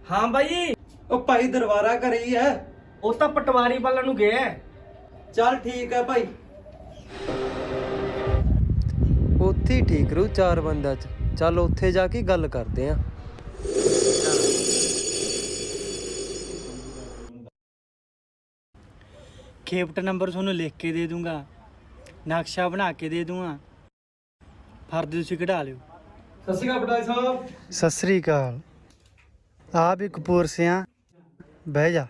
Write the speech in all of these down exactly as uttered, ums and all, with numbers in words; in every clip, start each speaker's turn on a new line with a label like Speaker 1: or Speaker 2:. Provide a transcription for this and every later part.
Speaker 1: ਹਾਂ ਬਾਈ।
Speaker 2: ਉਹ ਭਾਈ ਦਰਬਾਰਾ ਘਰੇ ਹੀ ਹੈ।
Speaker 1: ਉਹ ਤਾਂ ਪਟਵਾਰੀ ਵੱਲ ਨੂੰ ਗਿਆ।
Speaker 2: ਚੱਲ ਠੀਕ ਹੈ ਭਾਈ।
Speaker 3: ਉੱਥੇ ਹੀ ਠੀਕ ਰੂ ਚਾਰ ਬੰਦਿਆਂ 'ਚ। ਚੱਲ ਉੱਥੇ ਜਾ ਕੇ ਗੱਲ ਕਰਦੇ ਆਂ।
Speaker 1: ਖੇਪਟ ਨੰਬਰ ਤੁਹਾਨੂੰ ਲਿਖ ਕੇ ਦੇ ਦੂੰਗਾ, ਨਕਸ਼ਾ ਬਣਾ ਕੇ ਦੇ ਦੂੰਗਾ, ਫਰਦ ਤੁਸੀਂ ਕਢਾ ਲਿਓ।
Speaker 2: ਸਤਿ ਸ਼੍ਰੀ ਅਕਾਲ ਪਟਵਾਰੀ ਸਾਹਿਬ।
Speaker 4: ਸਤਿ ਸ੍ਰੀ ਅਕਾਲ। ਆ ਵੀ ਕਪੂਰ ਸਿਆਂ, ਬਹਿ ਜਾ।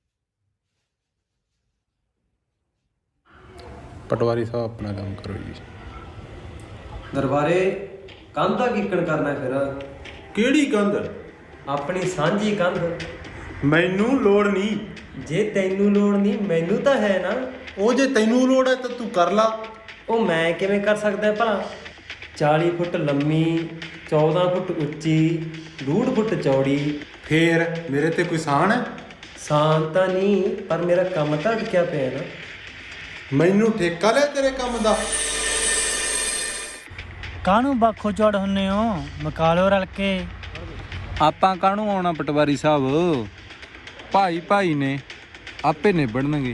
Speaker 5: ਪਟਵਾਰੀ ਸਾਹਿਬ ਆਪਣਾ ਕੰਮ ਕਰੋ ਜੀ।
Speaker 3: ਦਰਬਾਰੇ ਕੰਧ ਦਾ ਕੀਕਣ ਕਰਨਾ ਫਿਰ?
Speaker 5: ਕਿਹੜੀ ਕੰਧ?
Speaker 3: ਆਪਣੀ ਸਾਂਝੀ ਕੰਧ।
Speaker 5: ਮੈਨੂੰ ਲੋੜ ਨਹੀਂ।
Speaker 3: ਜੇ ਤੈਨੂੰ ਲੋੜ ਨਹੀਂ ਮੈਨੂੰ ਤਾਂ ਹੈ ਨਾ।
Speaker 5: ਉਹ ਜੇ ਤੈਨੂੰ ਲੋੜ ਹੈ ਤਾਂ ਤੂੰ ਕਰ ਲਾ।
Speaker 3: ਉਹ ਮੈਂ ਕਿਵੇਂ ਕਰ ਸਕਦਾ ਭਲਾ? ਚਾਲੀ ਫੁੱਟ ਲੰਮੀ, ਚੌਦਾਂ ਫੁੱਟ ਉੱਚੀ, ਡੂਢ ਫੁੱਟ ਚੌੜੀ।
Speaker 5: ਫੇਰ ਮੇਰੇ ਤੇ ਕੋਈ ਸਾਨ ਹੈ?
Speaker 3: ਸਾਨ ਤਾਂ ਨਹੀਂ, ਪਰ ਮੇਰਾ ਕੰਮ ਤਾਂ ਅਟਕਿਆ ਪਿਆ ਨਾ।
Speaker 5: ਮੈਨੂੰ ਠੇਕਾ ਲੈ ਤੇਰੇ ਕੰਮ ਦਾ।
Speaker 1: ਕਾਹਨੂੰ ਬਾਖੋ ਚੌੜ ਹੁੰਨੇ ਹੋ? ਮਕਾ ਲਓ ਰਲ ਕੇ।
Speaker 6: ਆਪਾਂ ਕਾਹਨੂੰ ਆਉਣਾ ਪਟਵਾਰੀ ਸਾਹਿਬ, ਭਾਈ ਭਾਈ ਨੇ ਆਪੇ ਨਿਬੜਨਗੇ।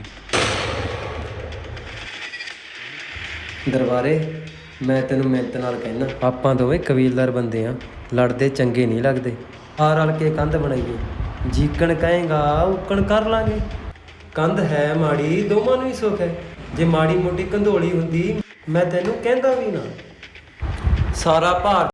Speaker 3: ਦਰਬਾਰੇ ਮੈਂ ਤੈਨੂੰ ਮਿਹਨਤ ਨਾਲ ਕਹਿਣਾ, ਆਪਾਂ ਦੋਵੇਂ ਕਬੀਲਦਾਰ ਬੰਦੇ ਆ, ਲੜਦੇ ਚੰਗੇ ਨਹੀਂ ਲੱਗਦੇ। ਆ ਰਲ ਕੇ ਕੰਧ ਬਣਾਈਏ। ਜੀਕਣ ਕਹੇਗਾ ਉਕਣ ਕਰ ਲਾਂਗੇ। ਕੰਧ ਹੈ ਮਾੜੀ, ਦੋਵਾਂ ਨੂੰ ਹੀ ਸੁੱਖ ਹੈ। ਜੇ ਮਾੜੀ ਮੋਟੀ ਕੰਧੋਲੀ ਹੁੰਦੀ ਮੈਂ ਤੈਨੂੰ ਕਹਿੰਦਾ ਵੀ ਨਾ। ਸਾਰਾ ਭਾਰ